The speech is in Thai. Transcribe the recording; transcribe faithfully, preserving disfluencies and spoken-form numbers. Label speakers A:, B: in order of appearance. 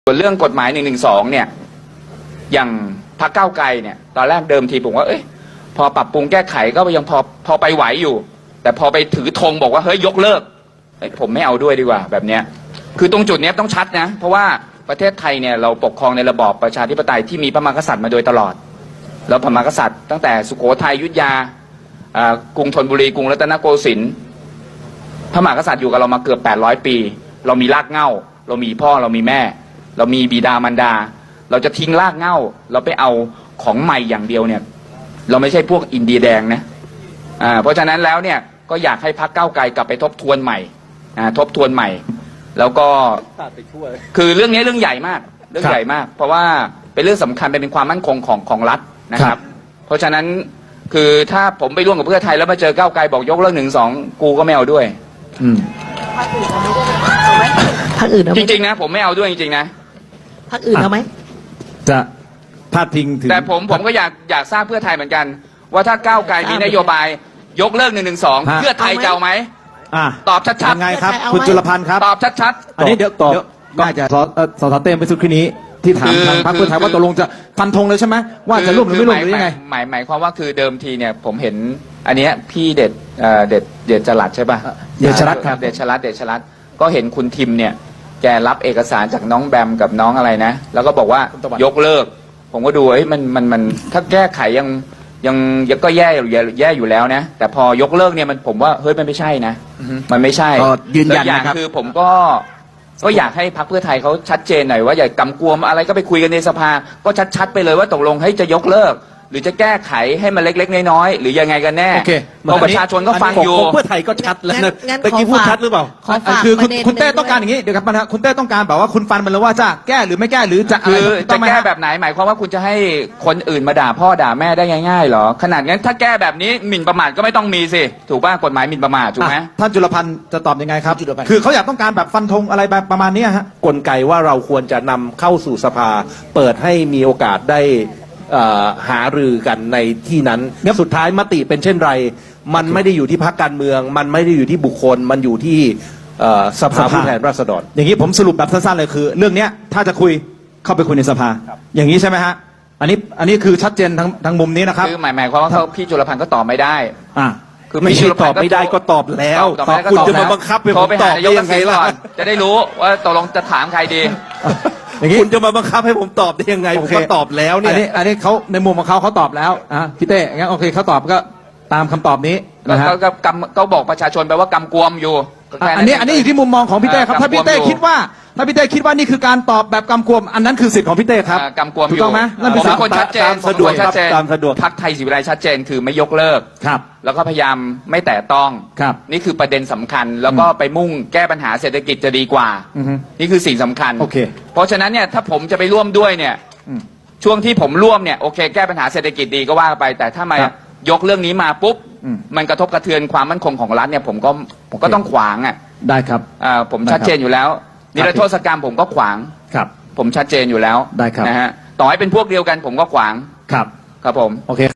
A: ส่วนเรื่องกฎหมายหนึ่งหนึ่งสองเนี่ยอย่างพรรคก้าวไกลเนี่ยตอนแรกเดิมทีผมว่าเอ้ยพอปรับปรุงแก้ไขก็ยังพอพอไปไหวอยู่แต่พอไปถือธงบอกว่าเฮ้ยยกเลิกผมไม่เอาด้วยดีกว่าแบบเนี้ยคือตรงจุดนี้ต้องชัดนะเพราะว่าประเทศไทยเนี่ยเราปกครองในระบอบประชาธิปไตยที่มีพระมหากษัตริย์มาโดยตลอดแล้วพระมหากษัตริย์ตั้งแต่สุโขทัยอยุธยากรุงธนบุรีกรุงรัตนโกสินทร์พระมหากษัตริย์อยู่กับเรามาเกือบแปดร้อยปีเรามีรากเหง้าเรามีพ่อเรามีแม่เรามีบิดามารดาเราจะทิ้งรากเหง้าเราไปเอาของใหม่อย่างเดียวเนี่ยเราไม่ใช่พวกอินเดียแดงนะอ่าเพราะฉะนั้นแล้วเนี่ยก็อยากให้พรรคก้าวไกลกลับไปทบทวนใหม่อ่าทบทวนใหม่แล้วก็คือเรื่องนี้เรื่องใหญ่มากเรื่องใหญ่มากเพราะว่าเป็นเรื่องสำคัญเป็นความมั่นคงของของรัฐนะครับเพราะฉะนั้นคือถ้าผมไปร่วมกับเพื่อไทยแล้วมาเจอก้าวไกลบอกยกเลิกหนึ่งสองกูก็ไม่เอาด้วยอืม
B: พรรคอื่นเอาไหมพรรคอื่นเอาไหม
A: จริงๆนะผมไม่เอาด้วยจริงๆนะ
B: พรรคอื่นเอาไหม
C: จะพาดพิงถึง
A: แต่ผมผมก็อยากอยากทราบเพื่อไทยเหมือนกันว่าถ้าก้าวไกลมีนโยบายยกเลิกหนึ่งหนึ่งสองเพื่อไทยจะเอาไหมตอบชัดๆ
C: ยังไงครับคุณจุลพันธ์ครับ
A: ตอบชัด
C: ๆอันนี้เดี๋ยวตอบน่าจะสสสเต้มไปสุดคืนนี้ที่ถามทางพรรคเพื่อไทยว่าตกลงจะฟันธงเลยใช่ไหมว่าจะร่วมหรือไม่ร่วมหรือยังไง
A: หมายหมายความว่าคือเดิมทีเนี่ยผมเห็นอันนี้พี่เด็ดเด็ดเด็ดจรัสใช่ป่ะ
C: เดชรัตน์ครับ
A: เดชรัตน์เดชรัตน์ก็เห็นคุณทิมเนี่ยแกรับเอกสารจากน้องแบมกับน้องอะไรนะแล้วก็บอกว่ายกเลิกผมก็ดูเอ้ยมันมันมันถ้าแก้ไขยังยังยังก็แย่อยู่แย่อยู่แล้วนะแต่พอยกเลิกเนี่ยมันผมว่าเฮ้ยมันไม่ใช่นะมันไม่ใช่
C: ยืนยัน
A: นะครับคือผมก็ก็อยากให้พรรคเพื่อไทยเขาชัดเจนหน่อยว่าอย่ากำกวมอะไรก็ไปคุยกันในสภาก็ชัดๆไปเลยว่าตกลงให้จะยกเลิกหรือจะแก้ไขให้มันเล็กๆน้อยๆหรือยังไงกันแน่เพราะประชาชนก็ฟังอยู่
C: เพื่อไทยก็ชัดแล้วนะตะกี้พูดชัดหรือเปล่าคือคุณเต้ต้องการอย่างนี้เดี๋ยวครับนะคุณเต้ต้องการแบบว่าคุณฟันมันแล้วว่าจะแก้หรือไม่แก้หรือจะอะไร
A: จะแก้แบบไหนหมายความว่าคุณจะให้คนอื่นมาด่าพ่อด่าแม่ได้ง่ายๆหรอขนาดงั้นถ้าแก้แบบนี้หมิ่นประมาทก็ไม่ต้องมีสิถูกป่ะกฎหมายหมิ่นประมาทถูกไหม
C: ท่านจุลพันธ์จะตอบยังไงครับคือเขาอยากต้องการแบบฟันธงอะไรแบบประมาณนี้ฮะ
D: กลไกว่าเราควรจะนำเข้าสู่สภาเปิดให้มีโอกาสได้หารือกันในที่นั้นสุดท้ายมติเป็นเช่นไรมันไม่ได้อยู่ที่พรรคการเมืองมันไม่ได้อยู่ที่บุคคลมันอยู่ที่สภาผู้แทนราษฎร
C: อย่างนี้ผมสรุปแบบสั้นๆเลยคือเรื่องนี้ถ้าจะคุยเข้าไปคุยในสภาอย่างนี้ใช่ไหมฮะอันนี้อันนี้คือชัดเจนทั้งทั้งมุมนี้นะครับ
A: คือหมายหมายความว่าพี่จุลพันธ์ก็ตอบไม่ได้
C: อ่า
D: คือไม่ใช่ตอบไม่ได้ก็ตอบแล้วคุณจะมาบังคับให้ผมตอบได้ยังไงล่ะ
A: จะได้รู้ว่าตกลงจะถามใครดี
D: คุณจะมาบังคับให้ผมตอบได้ยังไงผมก็ตอบแล้วเนี่ย
C: อันนี้อันนี้เขาในมุมของเขาเขาตอบแล้วอ่ะพี่เต้งั้นโอเคเขาตอบก็ตามคำตอบนี้นะฮะ
A: ก็กำก็บอกประชาชนไปว่ากำกวมอยู่
C: อันนี้อันนี้อยู่ที่มุมมองของพี่เต้ครับถ้าพี่เต้คิดว่าถ้าพี่เต้คิดว่านี่คือการตอบแบบกำกวมอันนั้นคือสิทธิ์ของพี่เต้ครับ
A: กำกวมอยู่
C: ถูกต้องไหมนั่นเป็น
A: สิทธิ์คนชัดเจน
D: สะดวกครับตามสะดวก
A: พรรคไทยศรีวิไลชัดเจนคือไม่ยกเลิก
C: ครับ
A: แล้วก็พยายามไม่แตะต้อง
C: ครับ
A: นี่คือประเด็นสำคัญแล้วก็ไปมุ่งแก้ปัญหาเศรษฐกิจจะดีกว่านี่คือสิ่งสำคัญ
C: โอเค
A: เพราะฉะนั้นเนี่ยถ้าผมจะไปร่วมด้วยเนี่ยช่วงที่ผมร่วมเนี่ยโอเคแก้ปัญหาเศรษฐกิจดีก็ว่าไปแต่ถ้ามายกเรื่องนี้มาปุ๊บมันกระทบกระเทือนความมั่นคงของรัฐเนี่ยผมก็ผมก็ต้องขวางอ่ะ
C: ได้ครับ
A: อ่าผมชัดเจนอยู่แล้วนิรโทษกรรมผมก็ขวาง
C: ครับ
A: ผมชัดเจนอยู่แล้ว
C: ได้ครับ
A: นะฮะต่อให้เป็นพวกเดียวกันผมก็ขวาง
C: ครับ
A: ครับผม
C: โอเค